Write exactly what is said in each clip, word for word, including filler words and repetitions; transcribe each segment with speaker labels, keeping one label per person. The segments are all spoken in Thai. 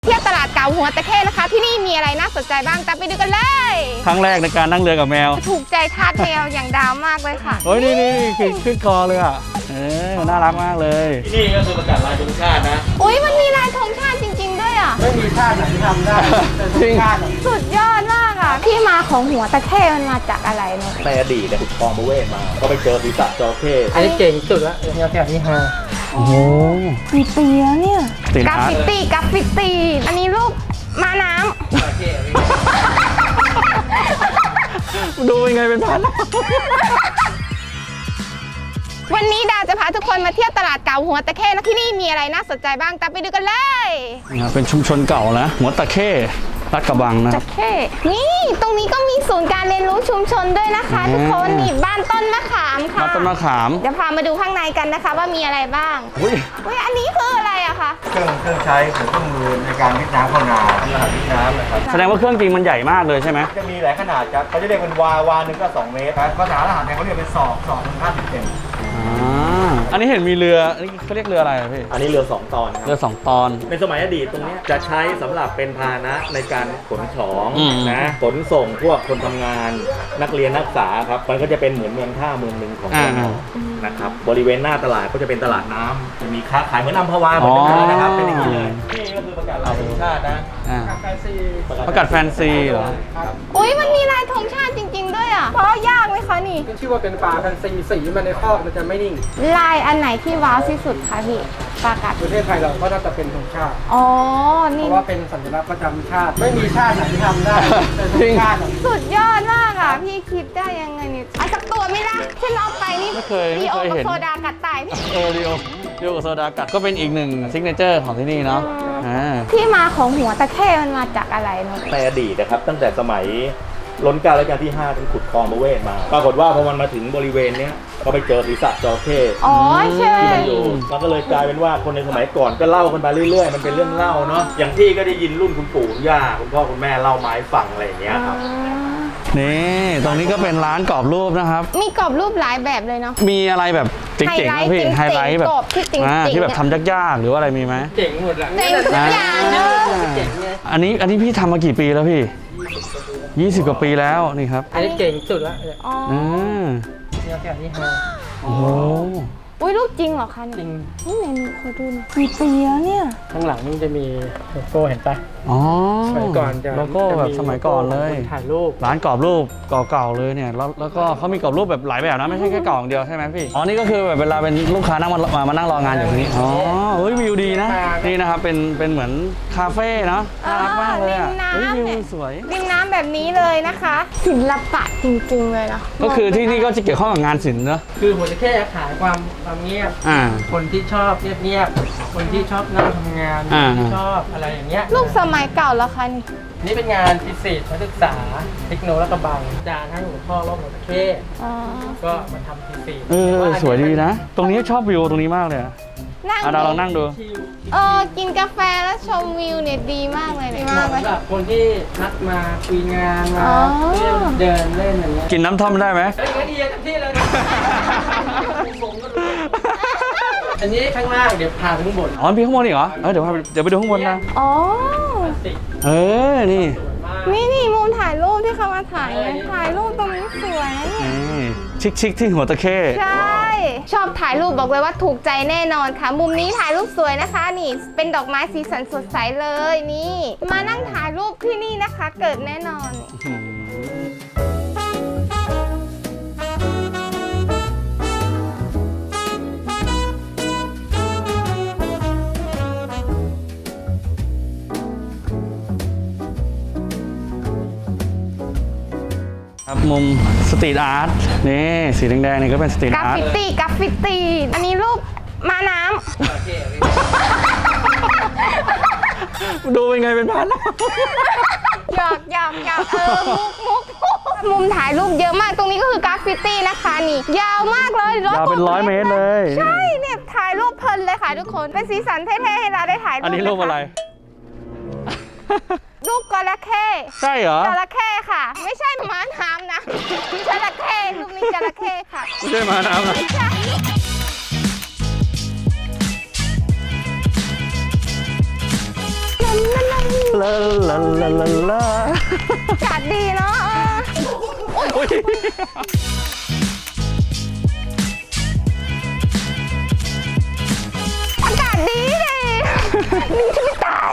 Speaker 1: เที่ยวตลาดเก่าหัวตะเข้นะคะที่นี่มีอะไรน่าสนใจบ้างตามไปดูกันเลย
Speaker 2: ครั้งแรกในการนั่งเรือกับแมว
Speaker 1: ถูกใจทาสแมวอย่างดาวมากเลยค่ะ
Speaker 2: โอ้ยนี่นี่ขึ้นขึ้นคอเลยอ่ะเออน่ารักมากเลย
Speaker 3: ที่นี่ก็คือประกาศลายธงชาตินะ
Speaker 1: อุ้ยมันมีลายธงชาติจริงๆด้วยอ่ะ
Speaker 3: ไม่มีชาติไหนที่ทำได้แต่ธงชาติ
Speaker 1: สุดยอดมากอ่ะที่มาของหัวตะเข้มันมาจากอะไรเนาะ
Speaker 3: ในอดีตเนี่ยขุดคลองประเวศมาก็ไปเจอศีรษะจระเข้
Speaker 4: อันนี้เก่งสุดละแนวแถวนี้ฮะ
Speaker 2: โอ้โห
Speaker 1: มีเปียเนี่ย
Speaker 2: ติด
Speaker 1: กรา
Speaker 2: อาร์
Speaker 1: ฟิ
Speaker 2: ต
Speaker 1: ตี้กราฟิตี้อันนี้รูปม้าน้ำ
Speaker 2: ดูยังไงเป็นพัน
Speaker 1: วันนี้ดาวจะพาทุกคนมาเที่ยวตลาดเก่าหัวตะเข้นะที่นี่มีอะไรน่าสนใจบ้างตามไปดูกันเลย
Speaker 2: เป็นชุมชนเก่านะหัวตะเข้ลาดกระบังนะ
Speaker 1: ตะเข้นี่ตรงนี้ก็มีศูนย์การเรียนรู้ชุมชนด้วยนะคะทุกคนนี่บ้านต้นมะขามค่ะ
Speaker 2: บ้านต้นมะขาม
Speaker 1: เดี๋ยวพามาดูข้างในกันนะคะว่ามีอะไรบ้าง
Speaker 2: อุ้ย
Speaker 1: อุ้ยอันนี้คืออะไรอะคะ
Speaker 3: เครื่องเครื่องใช้ของเครื่องมือในการวิทน้ำเข้านาเพื่อหาวิทน้ำนะครับ
Speaker 2: แสดงว่าเครื่องจริงมันใหญ่มากเลยใช่ไหม
Speaker 3: จะมีหลายขนาดครับเขาจะเรียกเป็นวาวาหนึ่งก็สองเมตรภาษาทหารเนี่ยเขาเรียกเป็นศอกศอกถึงห้าสิบเซน
Speaker 2: อันนี้เห็นมีเรืออันนี้เขาเรียกเรืออะไรพี่
Speaker 3: อันนี้เรือสองตอน
Speaker 2: เรือสองตอน
Speaker 3: ในสมัยอดีตตรงนี้จะใช้สำหรับเป็นพาหนะในการขนของนะขนส่งพวกคนทำงานนักเรียนนักศึกษาครับมันก็จะเป็นเหมือนเมืองท่าเมืองหนึ่งของเมืองนะครับบริเวณหน้าตลาดก็จะเป็นตลาดน้ำจะมีค้าขายเหมือนอัมพวาเหมือนกันเลยนะครับเป็นอย่างนี้เลยนี่ก็คือประกาศลายธงชาตินะ
Speaker 2: ประกาศแฟนซีเหรอ
Speaker 1: อุ้ยมันมีลายธงชาติจริงๆด้วยอ่ะเพราะยากไหมคะนี่
Speaker 4: ชื่อว่าเป็นปลาแฟนซีสีมันในคอกมันจะไม่นิ่ง
Speaker 1: ลายอันไหนที่ว้าวที่สุดคะพี่ประกาศ
Speaker 4: ประเทศไทยเราก็น่าจะเป็นธงชาติ
Speaker 1: อ๋อ
Speaker 4: นี่เพราะว่าเป็นสัญลักษณ์ประจำชาติไม่มีชาติไหนที่ทำได้แต่ธงชาติ
Speaker 1: สุดยอดมากอ่ะพี่คิดได้ยังไงนี่เอาสักตัวไม่ได้ฉันเอาไปนี่
Speaker 2: ไม่เคยไม่เคยเห็น
Speaker 1: โซดากัดตายพี่
Speaker 2: เออเรียวเรียวกับโซดากัดก็เป็นอีกหนึ่งซิกเนเจอร์ของที่นี่เนาะ
Speaker 1: ที่มาของหัวตะเข้มันมาจากอะไรเนาะ
Speaker 3: ในอดีตนะครับตั้งแต่สมัยล้นเกล้ารัชกาลที่ห้าถึงขุดคลองประเวศมาปรากฏว่าพอมันมาถึงบริเวณเนี้ยก็ไปเจอศีรษะจระเข้
Speaker 1: อ๋อใช่
Speaker 3: ที่มันอยู่มันก็เลยกลายเป็นว่าคนในสมัยก่อนก็เล่ากันมาเรื่อยๆมันเป็นเรื่องเล่าเนาะอย่างที่ก็ได้ยินรุ่นคุณปู่คุณย่าคุณพ่อคุณแม่เล่าไม้ฟังอะไรอย่างเงี้ยครับ
Speaker 2: นี่ตรงนี้ก็เป็นร้านกรอบรูปนะครับ
Speaker 1: มีกรอบรูปหลายแบบเลยเนาะ
Speaker 2: มีอะไรแบบเจ๋งๆนะพี่ไฮไลท์แบบที่แบบทำยากๆหรือว่าอะไรมีไหม
Speaker 4: เจ๋งหมดละ
Speaker 1: เจ๋งทุกอย่างเนอะ
Speaker 2: อันนี้อันนี้พี่ทำมากี่ปีแล้วพี่ยี่สิบกว่าปีแล้วนี่ครับ
Speaker 4: อันนี้เก่งสุดละ
Speaker 1: อ๋อ
Speaker 4: แนวแถวนี้ฮะ
Speaker 2: โอ้โห
Speaker 1: อุ้ยรูปจริงเหรอคะ
Speaker 4: จริง
Speaker 1: นี่ไหนดูขอดูหน่อยมีเปียเนี่ย
Speaker 4: ข้างหลังนี่จะมีโลโก้เห็นปะ
Speaker 2: อ๋อ
Speaker 4: สมัยก่อนจะ
Speaker 2: โลโก้แบบสมัยก่อนเลย
Speaker 4: ถ่ายรูป
Speaker 2: ร้านกรอบรูปเก่าๆเลยเนี่ยแล้วแล้วก็เขามีกรอบรูปแบบหลายแบบนะไม่ใช่แค่กล่องเดียวใช่ไหมพี่อ๋อนี่ก็คือแบบเวลาเป็นลูกค้านั่งมามานั่งรองานอยู่ตรงนี้อ๋อเฮ้ยวิวดีนะนี่นะครับเป็นเป็นเหมือนคาเฟ่เนาะน่ารักมากเลยอ่ะเฮ้ยวิวสวย
Speaker 1: ริมน้ำแบบนี้เลยนะคะศิลปะจริงๆเลยนะ
Speaker 2: ก็คือที่นี่ก็จะเกี่ยวข้องกับงานศิลป์เนอะ
Speaker 4: คือหัวตะเข้ขายความความเงียบคนที่ชอบเงียบๆคนที่ชอบนั่งทำงานที่ชอบอะไรอย่างเงี้ย
Speaker 1: รูปสมัยเก่าแล้วคะนี่
Speaker 4: นี่เป็นงานพิเศษนักศึกษาเทคโนโลยีกระบังอาจารย์ให้หัวข้อว่าหัวตะเข้ก็มาทำพิเศษ
Speaker 2: เออสวยดีนะตรงนี้ชอบวิวตรงนี้มากเลย
Speaker 1: นั่ง
Speaker 2: เราลองนั่งดู
Speaker 1: เออกินกาแฟแล้วชมวิวเนี่ยดีมากเลยดีมากเลย
Speaker 4: สำหรับคนที่นัดมาคุยงานมาเดินเล่นอย่างเงี้ย
Speaker 2: กินน้ำท่อมได้ไหม
Speaker 4: เฮ้ยดีเต็มที่เลยอันนี้ข้างล่างเดี๋ยวพาไปข้างบน
Speaker 2: อ๋อพี่ข้างบนอีกเหรอเออเดี๋ยวพาเดี๋ยวไปดูข้างบนนะ
Speaker 1: อ๋อ
Speaker 2: เออนี่
Speaker 1: นี่นี่มุมถ่ายรูปที่เขามาถ่ายถ่ายรูปตรงนี้สวยนะเนี่ย
Speaker 2: ชิคชิคที่หัวตะเข้
Speaker 1: ใช่ชอบถ่ายรูปบอกเลยว่าถูกใจแน่นอนค่ะมุมนี้ถ่ายรูปสวยนะคะนี่เป็นดอกไม้สีสันสดใสเลยนี่มานั่งถ่ายรูปที่นี่นะคะเกิดแน่นอน
Speaker 2: มุมสตรีทอาร์ตนี่สีแดงๆนี่ก็เป็นสตรีท
Speaker 1: อาร์ตกราฟิตี้กราฟิตี้อันนี้รูปม้าน้
Speaker 2: ำดูเป็นไงเป็นพัน
Speaker 1: หยอกหยอกหยอกเออมุกมุกมุมถ่ายรูปเยอะมากตรงนี้ก็คือกราฟิตี้นะคะนี่ยาวมากเลย
Speaker 2: ยาวเป็นร้อยเมตรเลย
Speaker 1: ใช่เนี่ยถ่ายรูปเพลินเลยค่ะทุกคนเป็นสีสันเท่ๆให้เราได้ถ่ายรูป
Speaker 2: อันนี้รูปอะไร
Speaker 1: รูปจระเข้
Speaker 2: ใช่เหรอ
Speaker 1: จระเข้ค่ะไม่ใช่ม้าน้ำนะจระเข้รูปนี้จระเข้ค่ะ
Speaker 2: ไม่ใช่ม้าน้ำนะลาลาลาลาลา
Speaker 1: อากาศดีเนาะเออ
Speaker 2: โอ้ย
Speaker 1: อากาศดีเลยนี่จะไม่ตาย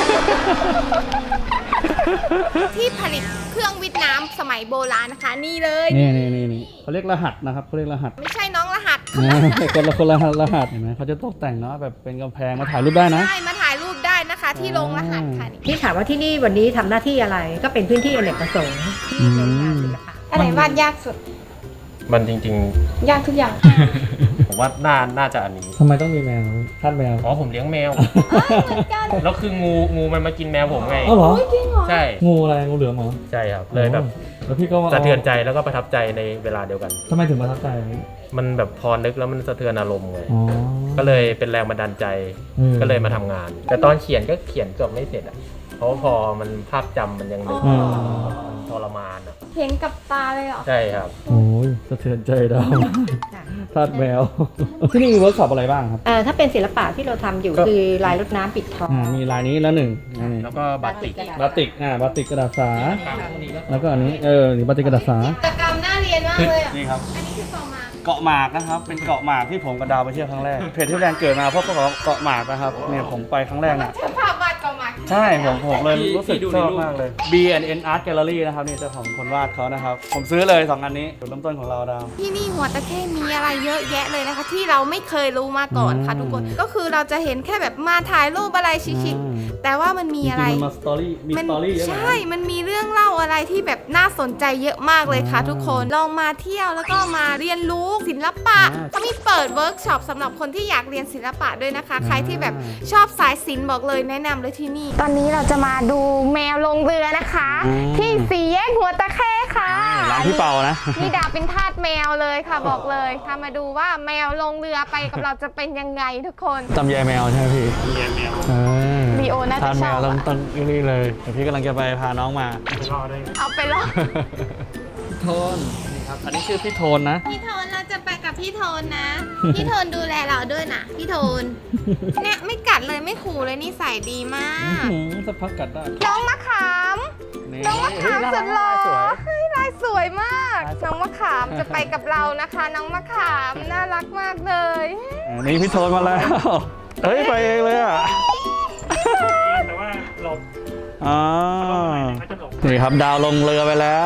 Speaker 1: ที่ผลิตเครื่องวิทย์น้ำสมัยโบราณนะคะ นี่เลย
Speaker 2: นี่นี่นี่นี่เขาเรียกรหัสนะครับเขาเรียกรหัส
Speaker 1: ไม่ใช่น้องรหัส
Speaker 2: นะคนละคนละรหัสเห็นไหมเขาจะตกแต่งเนาะแบบเป็นกำแพงมาถ่ายรูปได้นะ
Speaker 1: ใช่มาถ่ายรูปได้นะคะ ที่โรงรหัสค่ะนี่
Speaker 5: ที่ถามว่าที่นี่วันนี้ทำหน้าที่อะไรก็เป็นพื้นที่อเนกประสงค์ที่เป็นงานศิลปะ
Speaker 1: อะไรวาดยากสุด
Speaker 6: มันจริง
Speaker 1: ยากทุกอย่าง
Speaker 6: ๆ ผมว่าน่าน่าจะอันนี้
Speaker 2: ทำไมต้องมีแมวท่านแมว
Speaker 6: อ๋อผมเลี้ยงแมว แล้วคืองูงูมันมากินแมวผมไง
Speaker 2: อ๋อเหรอ
Speaker 1: จริงเหรอ
Speaker 6: ใช่
Speaker 2: งูอะไรงูเหลือมเหรอ
Speaker 6: ใช่ครับ เลยแบบ
Speaker 2: แล้วพี่ก็มา
Speaker 6: สะเทือนใจแล้วก็ประทับใจในเวลาเดียวกัน
Speaker 2: ทำไมถึงประทับใจ
Speaker 6: มันแบบพอนึกแล้วมันสะเทือนอารมณ์เลย
Speaker 2: อ๋อ
Speaker 6: ก็เลยเป็นแรงบันดาลใจ
Speaker 2: อืม
Speaker 6: ก็เลยมาทำงาน แต่ตอนเขียนก็เขียนเกือบไม่เสร็จอ่ะ เพราะว่าพอมันภาพจำมันยังนึก
Speaker 2: อืม
Speaker 6: มันทรมานอ่ะ
Speaker 1: เห็นกับตาเลยเหรอ
Speaker 6: ใช่ครับ
Speaker 2: โอ้ยสะเทือนใจดาวทาสแมว ที่นี่มีเวิร์กช็อปอะไรบ้างครับ
Speaker 5: เอ่อถ้าเป็นศิลปะที่เราทำอยู่
Speaker 6: ก็
Speaker 5: คือลายรดน้ำปิดทอง
Speaker 2: อ่ามีลายนี้แล้วหนึ่งอันนี้
Speaker 6: แล้วก็บาติก
Speaker 2: บาติกอ่าบาติกกระดาษสา แล้วก็อันนี้เออนี่บาติกกระดาษสา
Speaker 1: กิจกรรมน่าเรียนมากเลยอ่ะ
Speaker 2: นี่ครับ
Speaker 1: อันนี้คือต่อมา
Speaker 2: เกาะหมากนะครับ เป็นเกาะหมากที่ผมกับดาวไปเที่ยวครั้งแรก เพจที่แรงเกิดมาเพราะเกาะเกาะหมากนะครับเนี่ยผมไปครั้งแรกน่ะ
Speaker 1: เธอภาพวาดต่อมา
Speaker 2: ใช่ผมผมเลย
Speaker 6: ที่
Speaker 2: รู้สึก
Speaker 6: ที่ดู
Speaker 2: ชอบ
Speaker 6: ในรูป
Speaker 2: มากเลย B and N Art Gallery นะครับนี่เจ้าของคนวาดเขานะครับ ผมซื้อเลยสองอันนี้จุดเริ่มต้นของเราดาว
Speaker 1: ที่นี่หัวตะเข้มีอะไรเยอะแยะเลยนะคะ ที่เราไม่เคยรู้มาก่อนค่ะ
Speaker 2: อืม
Speaker 1: ทุกคน ก็คือเราจะเห็นแค่แบบมาถ่ายรูปอะไรชิค
Speaker 2: อืม
Speaker 1: ๆแต่ว่ามันมีอะไร
Speaker 2: จงๆมันมาสตอรี่มีสตอรี่เยอะนะ
Speaker 1: ใช่ มันมีเรื่องเล่าอะไรที่แบบน่าสนใจเยอะมากเลยค่ะ
Speaker 2: อ่า
Speaker 1: ทุกคน ลองมาเที่ยวแล้วก็มาเรียนรู้ศิลปะ
Speaker 2: อ่า
Speaker 1: เขามีเปิดเวิร์กช็อปสำหรับคนที่อยากเรียนศิลปะด้วยนะคะ
Speaker 2: อ่า
Speaker 1: ใครที่แบบชอบสายศิลป์บอกเลยแนะนำเลยที่นี่ ตอนนี้เราจะมาดูแมวลงเรือนะคะ ที่สี่แยกหัวตะเข้ค่ะ
Speaker 2: ร้านพี่เปานะ
Speaker 1: นี่ดาเป็นทาสแมวเลยค่ะบอกเลยค่ะมาดูว่าแมวลงเรือไปกับเราจะเป็นยังไงทุกคน
Speaker 2: จำยายแมวใช่ไหมพี่ยายแมว
Speaker 1: ลีโอน่าจะ
Speaker 2: ทาน
Speaker 1: ช
Speaker 2: แม
Speaker 1: อบ
Speaker 2: วต้อง
Speaker 1: อะ
Speaker 2: ต้องนี่เลยเดี๋ยวพี่กำลังจะไปพาน้องมา
Speaker 1: เอาไปลอง
Speaker 2: โทนนี่ครับ อันนี้ชื่อพี่โทนนะ
Speaker 1: พี่โทนเราจะไปกับพี่โทนนะ พี่โทนดูแลเราด้วยนะพี่โทนเนี่ยไม่กัดเลยไม่ขู่เลยนิสัยดีมาก
Speaker 2: สักพักกัดได้
Speaker 1: น้องมะขาม
Speaker 2: นี่
Speaker 1: น้องมะขามสุดหล่อ
Speaker 2: สวย
Speaker 1: เฮ้ยลายสวยมาก
Speaker 2: ลายสวย
Speaker 1: น้องมะขามจะไปกับเรานะคะ น้องมะขามน่ารักมากเลย
Speaker 2: อันนี้พี่โทนมาแล้ว เฮ้ย ไปเองเลยอ่ะ
Speaker 6: แต่ว่าหลบ
Speaker 2: อ๋อนี่ครับดาวลงเรือไปแล้ว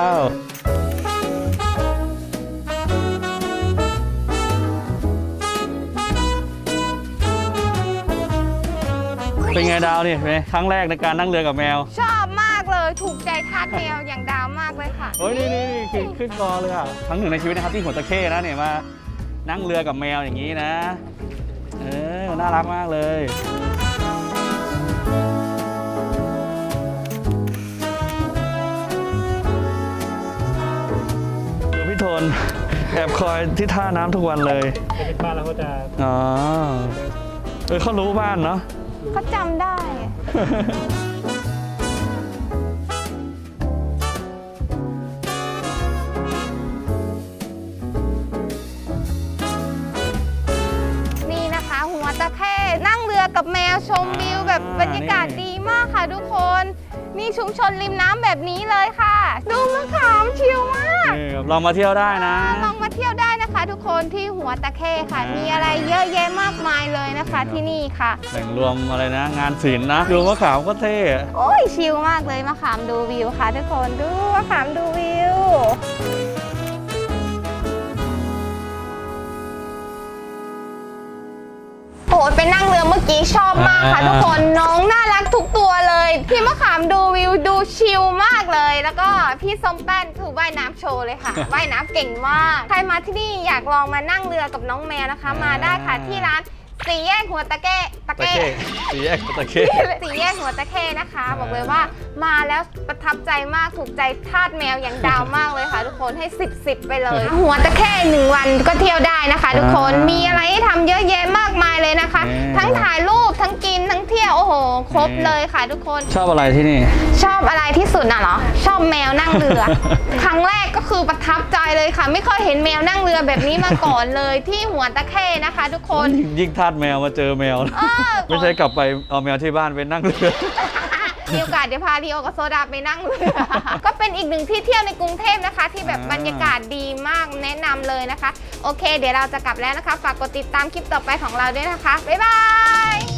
Speaker 2: เป็นไงดาวนี่เป็นไงครั้งแรกในการนั่งเรือกับแมว
Speaker 1: ชอบมากเลยถูกใจทาสแมวอย่างดาวมากเลยค่ะ
Speaker 2: เฮ้ยนี่นี่นี่ขึ้นขึ้นกอเลยอ่ะครั้งหนึ่งในชีวิตนะครับที่หัวตะเข้นะเนี่ยมานั่งเรือกับแมวอย่างนี้นะ เออ น่ารักมากเลย พี่โทนแอบคอยที่ท่าน้ำทุกวันเลย
Speaker 6: เป็นบ้านแล้วก็จะ
Speaker 2: อ๋อ เออเขารู้บ้านเนาะ
Speaker 1: เขาจำได้ นี่นะคะหัวตะเข้นั่งเรือกับแมวชมวิวแบบบรรยากาศดีมากค่ะทุกคน นี่ชุมชนริมน้ำแบบนี้เลยค่ะ ดูมะขามชิลมาก
Speaker 2: นี่ลองมาเที่ยวได้นะ
Speaker 1: ลองมาเที่ยวได้นะคะ ทุกคนที่หัวตะเข้ค่ะ มีอะไรเยอะแยะมากมายเลยนะคะที่นี่ค่ะ
Speaker 2: แหล่งรวมอะไรนะ งานศิลป์นะ ดูมะขามก็เท่อะ
Speaker 1: โอ้ยชิลมากเลยมะขามดูวิวค่ะ ทุกคนดูมะขามดูวิว โอ้ยไปนั่งเรือเมื่อกี้ชอบมากค่ะ ทุกคนน้องน่ารักทุกตัวเลยพี่มะขามดูวิวดูชิลมากเลย แล้วก็พี่ส้มแป้นถือว่ายน้ำโชว์เลยค่ะ ว่ายน้ำเก่งมาก ใครมาที่นี่อยากลองมานั่งเรือกับน้องแมวนะคะ มาได้ค่ะที่ร้านสี่แยกหัวตะเก้ตะ
Speaker 2: ตะ
Speaker 1: เก้
Speaker 2: เข้สีแยกตะเข้
Speaker 1: สี่แยกหัวตะเข้นะคะ บอกเลยว่ามาแล้วประทับใจมากถูกใจทาสแมวอย่างดาวมากเลยค่ะ ทุกคนให้สิบสิบไปเลย หัวตะเข้หนึ่งวันก็เที่ยวได้นะคะ ทุกคนมีอะไรให้ทำเยอะแยะมากมายเลยนะคะ ทั้งถ่ายรูปทั้งกินทั้งเที่ยวโอ้โห ครบเลยค่ะ ทุกคน
Speaker 2: ชอบอะไรที่นี่
Speaker 1: ชอบอะไรที่สุดน่ะเหรอชอบแมวนั่งเรือ ครั้งแรกก็คือประทับใจเลยค่ะ ไม่เคยเห็นแมวนั่งเรือแบบนี้มาก่อนเลยที่หัวตะเข้นะคะ ทุกคน
Speaker 2: ยิ่งทาสแมวมาเจอแมว
Speaker 1: เออ
Speaker 2: ไม่ใช่กลับไปเอาแมวที่บ้านไปนั่งเรือ
Speaker 1: มีโอกาสเดี๋ยวพาลีโอกับโซดาไปนั่งเรือ ก็เป็นอีกหนึ่งที่เที่ยวในกรุงเทพนะคะ ที่แบบ
Speaker 2: อ่า
Speaker 1: บรรยากาศดีมากแนะนำเลยนะคะ โอเค เดี๋ยวเราจะกลับแล้วนะคะ ฝากกดติดตามคลิปต่อไปของเราด้วยนะคะ บ๊ายบาย